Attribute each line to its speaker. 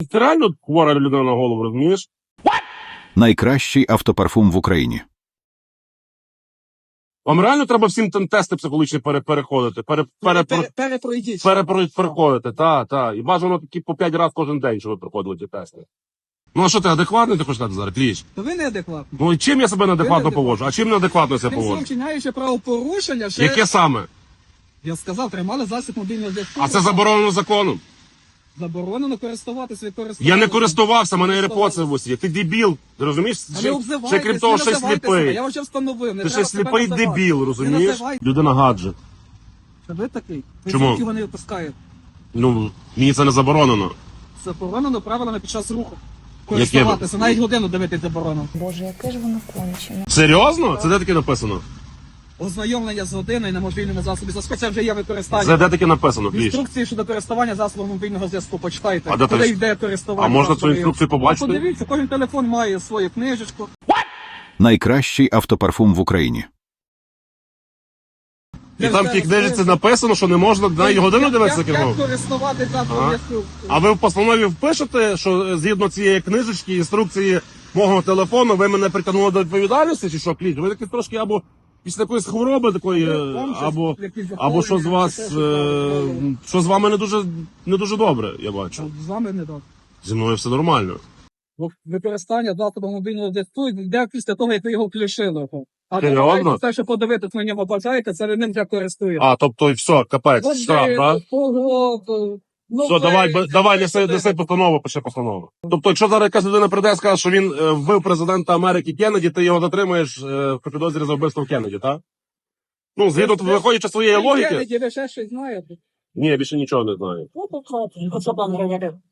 Speaker 1: ти реально хвора людина на голову, розумієш?
Speaker 2: Найкращий автопарфум в Україні.
Speaker 1: Вам реально треба всім тести психологічні переходити,
Speaker 3: Перепройдіть.
Speaker 1: переходити, та. І бажано такі по 5 разів кожен день, щоб ви проходили ті тести. Ну а що ти, адекватний ти хочеш сказати зараз, Кліч?
Speaker 3: То ви неадекватні.
Speaker 1: Ну і чим я себе неадекватно
Speaker 3: неадекватний.
Speaker 1: поводжу? А чим неадекватно я себе
Speaker 3: Тим самим
Speaker 1: поводжу?
Speaker 3: вчиняючи правопорушення, ще...
Speaker 1: Яке саме?
Speaker 3: Я сказав, тримали засіб мобільного зв'язку.
Speaker 1: А це заборонено законом.
Speaker 3: Заборонено користуватися,
Speaker 1: Я не користувався, мене AirPods в усі. Ти дебіл, ти розумієш?
Speaker 3: А не обзивайтесь,
Speaker 1: Ще крім того,
Speaker 3: не
Speaker 1: ще й
Speaker 3: називайте себе.
Speaker 1: сліпий.
Speaker 3: Я вже встановив, не
Speaker 1: Ти
Speaker 3: треба
Speaker 1: ще
Speaker 3: себе
Speaker 1: сліпий
Speaker 3: називати.
Speaker 1: дебіл,
Speaker 3: Не
Speaker 1: розумієш?
Speaker 3: називайте.
Speaker 1: Людина гаджет.
Speaker 3: Це ви такий? Ви
Speaker 1: Чому?
Speaker 3: звідки вони випускають?
Speaker 1: Ну, мені це не заборонено.
Speaker 3: Заборонено правилами під час руху. Користуватися, навіть годину дивитись заборонено.
Speaker 4: Боже, яке ж воно кончене.
Speaker 1: Серйозно? Це де таке написано?
Speaker 3: Ознайомлення з годиною на мобільному засобі зв'язку, це вже є використання.
Speaker 1: Це де таке написано, Кліч?
Speaker 3: Інструкції щодо користування засобом мобільного зв'язку почитайте.
Speaker 1: А де
Speaker 3: Куди
Speaker 1: ти-
Speaker 3: йде користування.
Speaker 1: А можна цю
Speaker 3: засобів.
Speaker 1: інструкцію побачити?
Speaker 3: Подивіться, кожен телефон має свою книжечку.
Speaker 2: Найкращий автопарфум в Україні.
Speaker 1: І там в тій книжці написано, що не можна на її годину дивитися
Speaker 3: Як
Speaker 1: кіно.
Speaker 3: користувати засобом
Speaker 1: Ага.
Speaker 3: зв'язку?
Speaker 1: А ви в постанові впишете, що згідно цієї книжечки, інструкції мого телефону, ви мене притягнули до відповідальності, чи що, Кліч? Ви такі трошки або після якоїсь хвороби такої,
Speaker 3: Вам щось,
Speaker 1: або
Speaker 3: якісь
Speaker 1: або що з
Speaker 3: захворювання,
Speaker 1: вас,
Speaker 3: чи те, що там,
Speaker 1: що з вами не дуже добре, я бачу.
Speaker 3: З вами не так.
Speaker 1: Зі мною все нормально.
Speaker 3: Використання засобу мобільного зв'язку йде після того, як ви його включили. А
Speaker 1: Серйозно?
Speaker 3: те, що подивитись на нього бажаєте, це ви ним вже користуєте.
Speaker 1: А, тобто, все, капець, штраф, так? Все, давай, неси постанову, пиши постанову. Тобто, якщо зараз якась людина прийде і скаже, що він вбив президента Америки Кеннеді, ти його затримаєш по підозрі за вбивство Кеннеді, так? Ну, згідно, виходячи з своєї логіки.
Speaker 3: Кеннеді, ви ще щось знаєте?
Speaker 1: Ні, я більше нічого не знаю.
Speaker 3: Ну, то що там говорив?